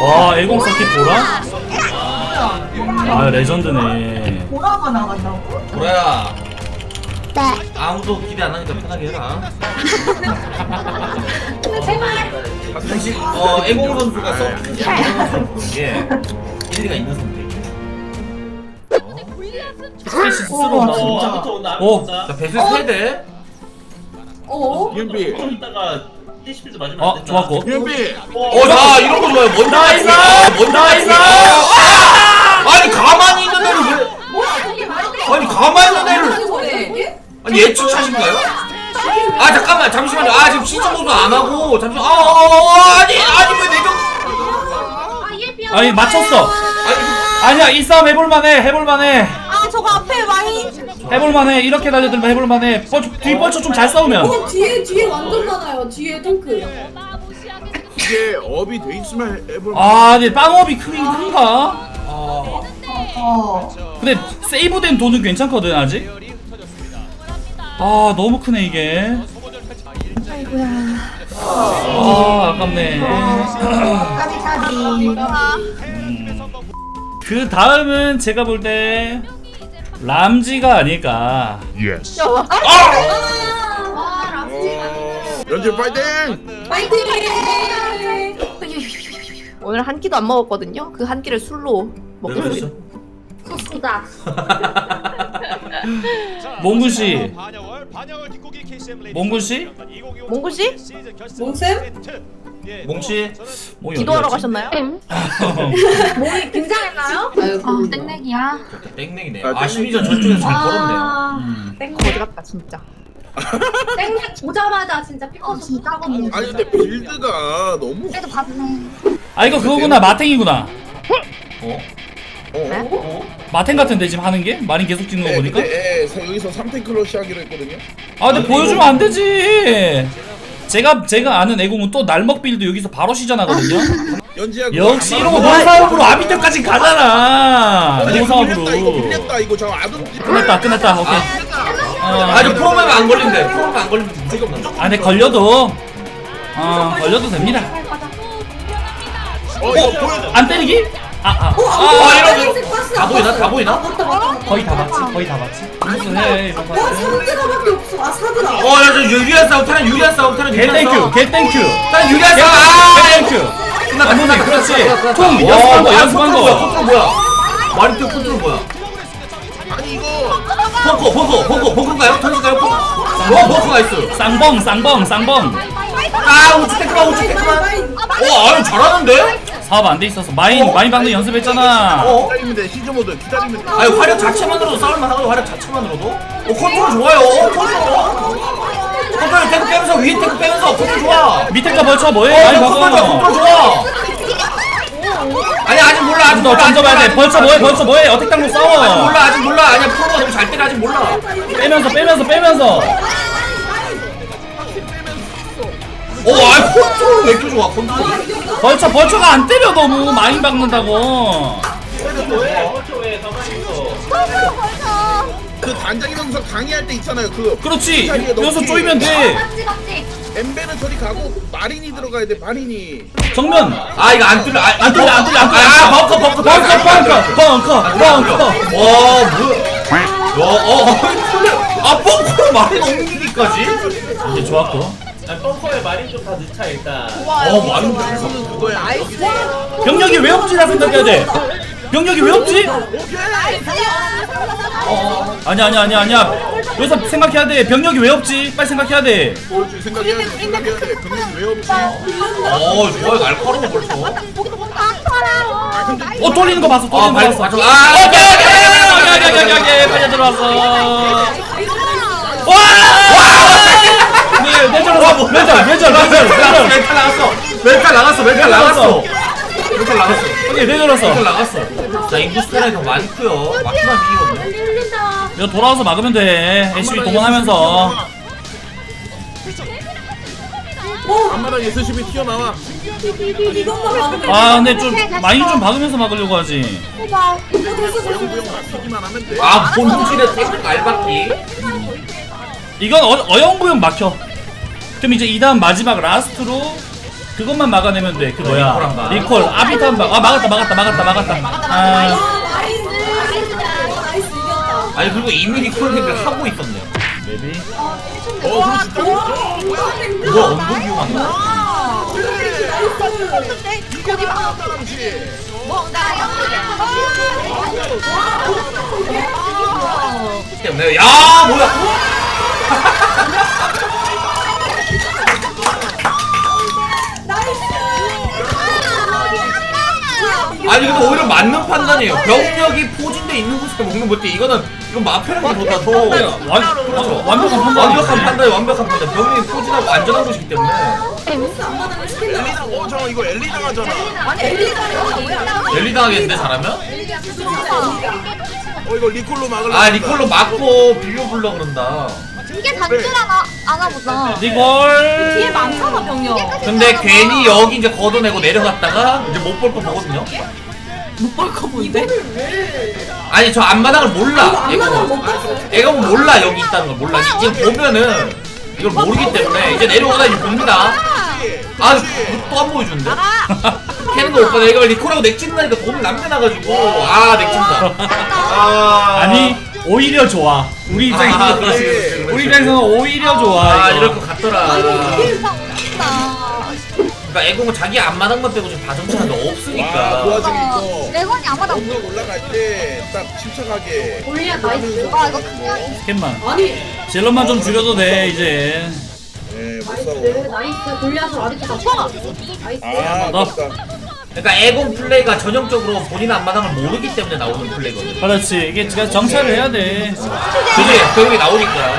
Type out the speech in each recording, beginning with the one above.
와 애공 서킷 보라? 아 레전드네. 보라가 나간다고? 보라야 네. 아무도 기대 안 하니까 편하게 해라. 사실 애공 선수가 서킷이 안 되는 선수를 보는 게 일리가 있는 선수예요. 스페이시 스스로 와, 나온다. 진짜. 오. 자 배수 세대. 어? 이따가 TCP도 맞으면 안 된다. 좋았고. 자 이런 거 좋아요. 먼저 나이스! 나이스! 아니 가만히 있는 애를 왜? 아니 가만히 있는 애를 아니 예측 차신가요? 아 잠깐만 잠시만요. 아 지금 시청도 안 하고 잠시만. 아니 왜 내가 아니 맞췄어. 아니야 이 싸움 해볼만해. 아 저거 앞에 많이 해볼만해. 이렇게 달려들면 해볼만해. 뒤 뻘쳐 좀 잘 싸우면. 뒤에 완전 많아요. 뒤에 탱크. 이게 업이 돼 있으면 해볼. 아 근데 빵업이 큰가? 근데 세이브된 돈은 괜찮거든 아직. 아 너무 크네 이게. 아이고야. 아 아깝네. 까비까비. 그 다음은 제가 볼 때 람지가 아닐까. 연재 파이팅! 파이팅! 오늘 한 끼도 안 먹었거든요. 그 한 끼를 술로 왜 먹겠습니다. 그러시죠? 소다. 몽군 씨, 몽군 씨, 몽구 씨? 몽쌤? 몽치 몽이 기도하러 어디 갔지? 가셨나요? 몸이 긴장했나요? 아이고. 땡땡이야. 땡땡이네. 아 심리전 저쪽에서 잘 걸었네요. 거지 같다 진짜. 땡땡 보자마자 진짜 삐꺼서 진짜거든요. 아니 근데 빌드가 너무. 그래도 봤네. 아 이거 그거구나 마탱이구나. 마탱 같은데 지금 하는 게 마린 계속 찍는 거 보니까. 여기서 3탱크로 시작하기로 했거든요. 아 근데 보여주면 안 되지. 제가 아는 애공은 또 날먹 빌드 여기서 바로 시전하거든요. 연지야. 역시 이러고 노사업으로 아비터까지 가잖아. 노사업으로. 이거 빌렸다 이거 저 아둔. 끝났다. 오케이. 아저 프로그램 안 걸린대. 프로그램 안 걸리면 무조건 난다. 아 근데 걸려도 걸려도 됩니다. 이거 보여줘. 안 때리기? 이러면 다 보이나? 거의 다 맞지. 무슨 해 이런 거. 사드라밖에 없어. 아 사드라. 야저 유리한 싸움 타는 유리한 싸움 타는 개 땡큐. 타는 유리한 싸움. 땡큐. 끝났다. 그렇지. 총 연습한 거. 컨트롤 뭐야? 마리토 컨트롤 뭐야? 아니 이거. 벙커인가요? 던질까요? 벙커 나이스. 쌍봉. 우측 테크만. 아유 잘하는데? 사업 안 돼 있어서 마인 방금 연습했잖아. 기다리면 돼. 시즈 모드 기다리면 돼. 아니 화력 자체만으로도 싸울만 하거든. 화력 자체만으로도. 컨트롤 좋아요. 컨트롤 탱크 빼면서 위에 탱크 빼면서 컨트롤 좋아. 밑에 거 벌쳐 뭐해? 많이 컨트롤 박아. 좋아. 아니 아직 몰라. 아직 너 몰라. 던져봐야 돼. 벌쳐 뭐해? 어택 당로 싸워. 아직 몰라. 아니야 프로가 너무 잘 때려. 아직 몰라. 빼면서. 컨트롤 왜 이렇게 좋아? 컨트롤. 벌쳐가 안 때려 너무 많이 박는다고. 그 단장이면서 강의할 때 있잖아요. 그. 그렇지. 여기서 쪼이면 돼. 엠베는 저리 가고 마린이 들어가야 돼. 마린이. 정면. 이거 안 뚫려. 벙커. 벙커로 말이 옮기기까지? 이제 좋았고. 벙커에 마린 좀 다 넣자 일단. 말은 그거야. 병력이 왜 없지라 생각해야 돼. 병력이 왜 없지? 아니야. 여기서 생각해야 돼. 병력이 왜 없지? 빨리 생각해야 돼. 생각해야 돼. 병력이 왜 없지? 좋아요. 날카로워 벌써. 돌리는 거 봤어. 맞아. 오케이. 빨리 들어왔어. 와! 멘탈 나갔어. 오케이, 내려놨어. 자, 인구 스타일이 더 많고요. 막히만 비기거든요. 이거 돌아와서 막으면 돼. SCB 동원하면서. 앞마당 SCB 튀어나와. 아, 근데 좀 많이 좀 박으면서 막으려고 하지. 고용고용 막히기만 하면 돼. 본질의 탱크 알박기. 이건 어영부영 막혀. 그럼 이제 이 다음 마지막 라스트로 그것만 막아내면 돼. 그 뭐야? 리콜한다. 리콜 아비탄 막. 아 막았다. 아, 나이스 이겼다. 아니 그리고 이미 리콜렉을 하고 있었네요. maybe. 그렇지 딱 그거 언덕 이용한다. 거기 막 때문에 야 뭐야? 아니 근데 오히려 맞는 판단이에요. 병력이 포진돼 있는 곳에 먹는 것도 이건 마페라기보다 더 그렇죠. 완벽한 판단. 완벽한 판단. 병력이 포진하고 안전한 곳이기 때문에. 엘리당 저 이거 엘리당 하잖아. 랠리 당하겠는데 잘하면? 이거 리콜로 막으려. 아 리콜로 맞고 비벼 불러 그런다. 이게 단줄 하나 보다. 뒤에 리콜. 많잖아 병력. 근데 괜히 여기 이제 걷어내고 내려갔다가 이제 못 볼 거 보거든요. 못 볼 거 뭔데? 아니 저 앞마당을 몰라. 얘가 뭐 몰라 여기 있다는 걸 몰라. 지금 보면은 이걸 모르기 때문에 이제 내려오다 이제 봅니다. 아 또 안 보여주는데? 캐는 거 오빠 내가 리콜하고 넥 찍는다니까 돈을 남겨놔가지고 아 넥 찍는다. 아니 오히려 좋아. 우리 입장에서 그렇지. 우리 입장에서는 오히려 좋아. 아 이거. 이럴 것 같더라. 그러니까 애공은 자기 앞마당만 빼고 지금 다 정찰하는 게 와 없으니까. 그 와중에 이거 레건이 아마도 언덕 올라갈 때 딱 침착하게. 골리앗 나이스. 아 이거 그냥 스캔만. 아니 질럿만 좀 줄여도 돼 이제. 네못 나이스 싸워. 나이스 골리앗을 아직도 잡아. 나이스. 아 너. 아깝다. 그러니까 애공 플레이가 전형적으로 본인 앞마당을 모르기 때문에 나오는 플레이거든. 그렇지. 이게 제가 정찰을 해야 돼. 그지? 그게 나오니까.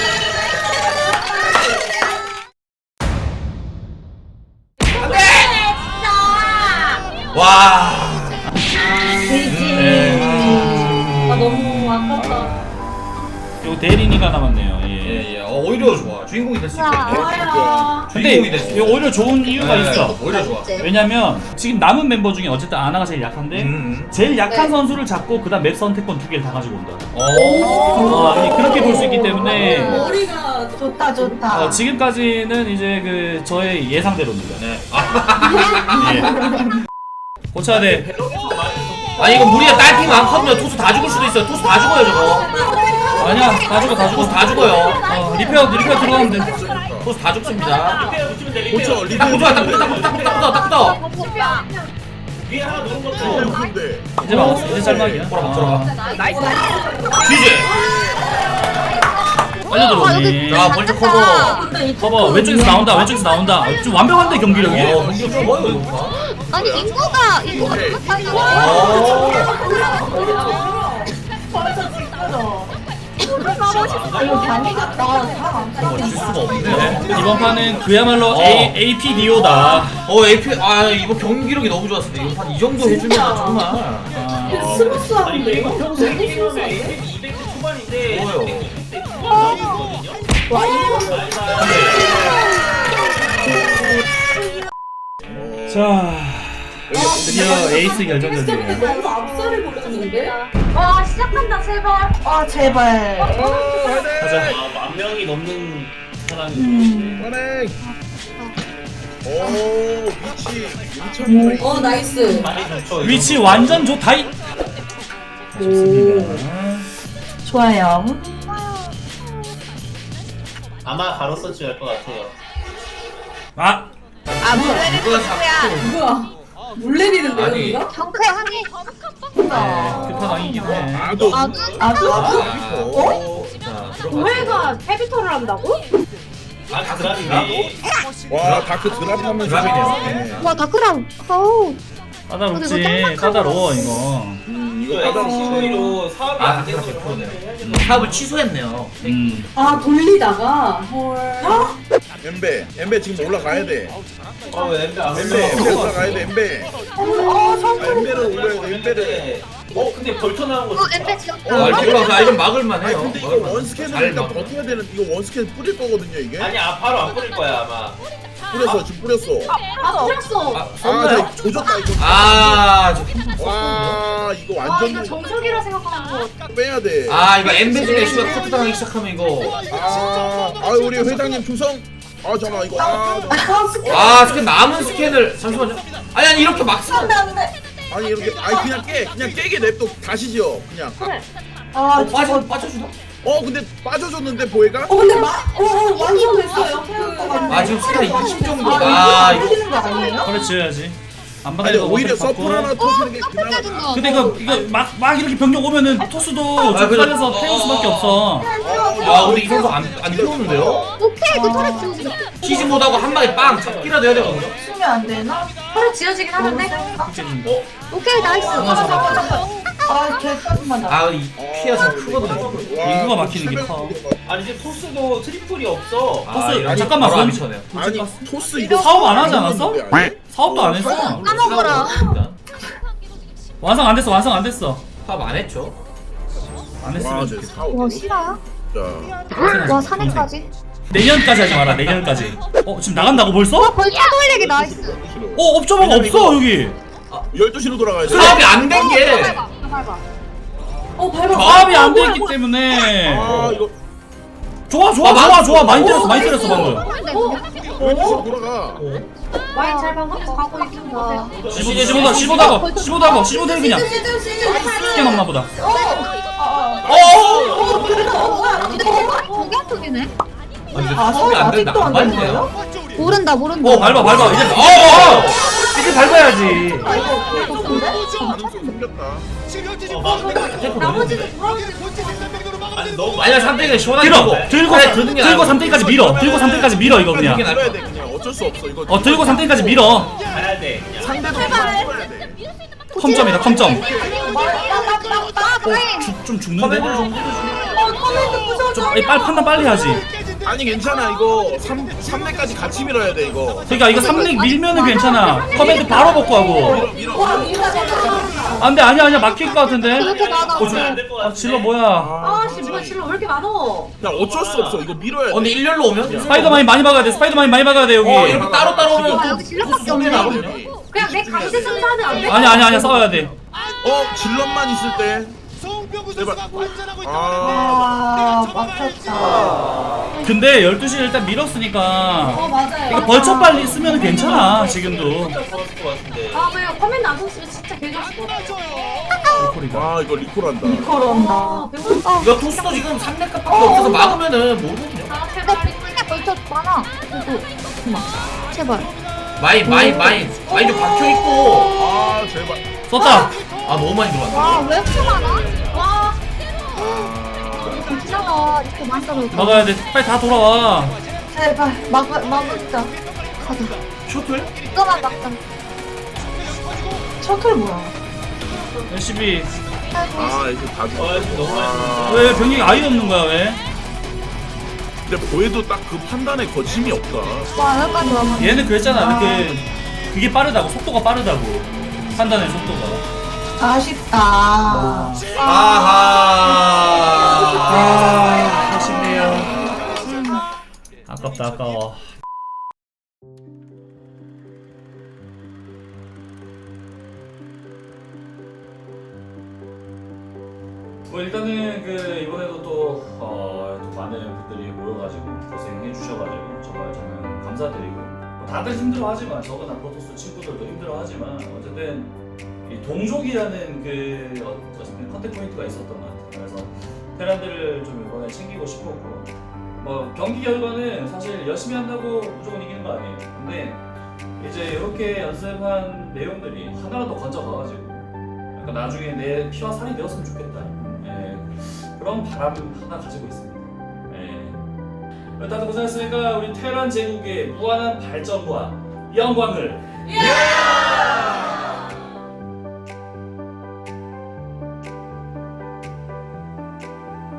와. 네. 아 너무 아깝다. 요 대리니가 남았네요. 예. 예예. 오히려 좋아. 주인공이 될 수 있겠네. 좋아요. 근데 주인공이 될 수 이거 있어. 오히려 좋은 이유가 있어. 오히려 좋아. 왜냐면 지금 남은 멤버 중에 어쨌든 아나가 제일 약한데 제일 약한 선수를 잡고 그다음 맵 선택권 2개를 다 가지고 온다. 그렇게 볼 수 있기 때문에 머리가 좋다 좋다. 지금까지는 이제 그 저의 예상대로입니다. 네. 예. 고쳐야 돼. 아니 이거 무리야 딸피 많거든요. 투수 다 죽을 수도 있어요. 투수 다 죽어요 저거. 아니야, 다 죽어. 투수 다 죽어요. 리페어 들어가면 돼. 투수 다 죽습니다. 붙이면 돼. 고쳐 딱 리콜. 붙어 딱 붙어. 위에 하나 누른 것도. 근데 이제 막았어. 이제 짤막이야. 돌아가. 뒤지. 빨리 들어오니. 자 먼저 커버. 커버 왼쪽에서 나온다. 좀 완벽한데 경기력이. 경기 좋아요 이거. 아니 인구가 이거 많이 갔다. 사람 질 수가 없네. 네, 이번 판은 그야말로 AP 디오다. AP 이거 경기력이 너무 좋았습니다. 이번 판 이 정도 해주면 정말 스무스하고 아니 이거 평소에 게임하면 200 초반인데 좋아요. 100 초반이거든요. 자, 드디어 에이스 결정전이에요. 너무 앞살을 보였는데. 와 시작한다 제발. 아 제발. 가자. 10,000명이 넘는 사람이. 선행. 오 위치 엄청. 나이스. 많이 좋죠. 위치 완전 좋다이. 좋습니다. 좋아요. 아마 가로 서치 할 것 같아요. 이거 자꾸 뭐야? 물 내리는데 아니. 여기가? 경쾌 하니. 급한 왕이긴 해. 아도. 아주 자 들어가. 도해가 헤비터를 한다고? 아 드랍이네. 와 다크 드랍하면서. 드랍이네요. 와 다크랑. 어우. 까다롭지. 까다로워 이거. 이거 까다로워. CV로 사업이 안 되는 걸 100%네. 사업을 취소했네요. 아 돌리다가. 헐. 엠베 지금 올라가야 돼. 왜 엠베 안 엠베 올라가야 돼 엠베. 엠베를 올려야 돼 엠베를. 근데 벌쳐 나온 거 엠베 지었다. 이거 이건 막을만 아니 해요. 근데 이거 원스캔을 잘 일단 막아. 버텨야 되는. 이거 원스캔 뿌릴 거거든요 이게. 아니 바로 안 뿌릴 거야 아마. 뿌렸어 지금 뿌렸어. 아 풀었어. 저 조졌다 이거. 와 이거 아 완전 이거 정석이라 생각하는 거. 빼야 돼. 이거 엠베 중에 씨발 커트 당하기 시작하면 이거 우리 회장님 충성. 아 잠깐 이거 아 스캔 남은 스캔을 잠시만요. 아니 이렇게 막 쓰. 아니 이렇게 아니 그냥 깨게 냅둬 다시 지어 그냥. 아 빠져주나? 근데 빠져줬는데 보혜가? 근데 완성 됐어요. 아 지금 스캔 20 정도. 아 이거. 이거 거 아니에요? 그래 지어야지. 안 아니 받아야 오히려 서플 하나 터지는 게 그나마. 근데 이거 막 이렇게 병력 오면은 토스도 아, 좀 그래. 살려서 태울 수밖에 없어. 아 근데 이 선수 안 태우는데요? 오케이 그 털에 지워지게. 치즈 못하고 한 방에 빵 잡기라도 해야 되거든요. 쓰면 안 되나? 털에 지워지긴 하는데. 오케이 나이스. 개까지만 나. 아 이 피해가 좀 크거든요. 인구가 막히는 게 커. 아니 지금 토스도 트리플이 없어. 토스 아니, 잠깐만 바로 안 그럼 미쳐네요. 아니 토스 이거 사업 안 하지 않았어? 사업도 안 했어. 까먹어라. 완성 안 됐어. 완성 안 됐어. 사업 안 했죠. 안 와 했으면 제 좋겠다. 사오. 와 실화야? 진짜. 와 산에까지. 내년까지 하지 마라. 내년까지. 지금 나간다고 벌써? 벌써 돌리기 나이스. 업저버가 없어 여기. 12시로 돌아가야 돼. 사업이 안 된 게. 밟아. 밟아. 밟아. 사업이 안 됐기 때문에. 아 이거 좋아. 많이 때렸어 방금. 12시로 돌아가. 와인 잘 가고 있습니다. 15 대 그냥. 쉽게 먹나 보다. 저게 아프기네. 아니 사업이 안 된다. 안 맞네요. 모른다. 밟아. 이제 이제 밟아야지. 가능성 생겼다. 나머지는 돌아오지. 아니 너무 만약 3대가 시원하게 들고 3대까지 밀어. 들고 3대까지 밀어 이거 그냥. 밀어야 돼 그냥 어쩔 수 없어 이거. 들고 3대까지 밀어. 가야 돼. 그냥. 상대도 밀어야 돼. 컴점이다 컴점. 와인. 좀 죽는데? 커맨드 부서져. 빨리 판단 빨리 하지. 아니 괜찮아 이거 3대까지 같이 밀어야 돼 이거. 그러니까 이거 3렉 밀면은 괜찮아. 커맨드 바로 먹고 하고. 안돼 아니야 막힐 것 같은데. 이렇게 많아. 질러 뭐야? 아씨 뭐야 실로 왜 이렇게 많어? 야 어쩔 수 없어 이거 밀어야 돼. 근데 일렬로 오면 스파이더만이 많이 박아야 돼. 스파이더만이 많이 박아야 돼 여기. 이렇게 따로 오면 아 여기 실력밖에 없네. 나거든요. 그냥 내 강제 승사는 안 돼. 아니야 싸워야 돼. 질럿만 있을 때. 제발. 막혔다. 근데 12시 일단 밀었으니까 맞아요. 이거 벌쳐 빨리 쓰면 괜찮아 지금도. 좋았을 것 같은데. 아 왜요? 커맨드 안 썼으면 진짜 개좋았을 것 같아. 리콜이다. 아 이거 리콜한다. 걸어온다. 아 배고파. 이거 토스도 지금 3대값밖에 없어서 막으면은 모르거든요. 아 제발 핑크에 걸쳐 많아. 그만. 제발. 마인 좀 박혀있고. 아 제발. 썼다. 아 너무 많이 들어왔다. 와왜 이렇게 많아? 와. 괜찮아. 이렇게 많이 떨어져. 막아야 돼. 빨리 다 돌아와. 제발 막을자. 가자. 셔틀? 이거만 막자. 셔틀 뭐야? 열심히. 아 이거 다 죽어. 아 지금 너무 많이. 왜 병력이 아예 없는 거야 왜? 근데 보혜도 딱 그 판단에 거침이 없다. 와 여기까지 와. 얘는 그랬잖아. 그게 빠르다고 속도가 빠르다고 판단의 속도가. 아쉽다. 아하. 아쉽네요. 아깝다 아까워. 뭐 일단은 이번에도 또 많은 분들이 모여가지고 고생해 주셔가지고 정말 저는 감사드리고 다들 힘들어하지만 저거나 프로토스 친구들도 힘들어하지만 어쨌든 이 동족이라는 어쨌든 컨택 포인트가 있었던 것 같아요. 그래서 테란들을 좀 이번에 챙기고 싶었고 뭐 경기 결과는 사실 열심히 한다고 무조건 이기는 거 아니에요. 근데 이제 이렇게 연습한 내용들이 하나라도 건져가가지고 약간 나중에 내 피와 살이 되었으면 좋겠다. 그런 바람 하나 가지고 있습니다. 다들 고생했으니까 우리 테란 제국의 무한한 발전과 영광을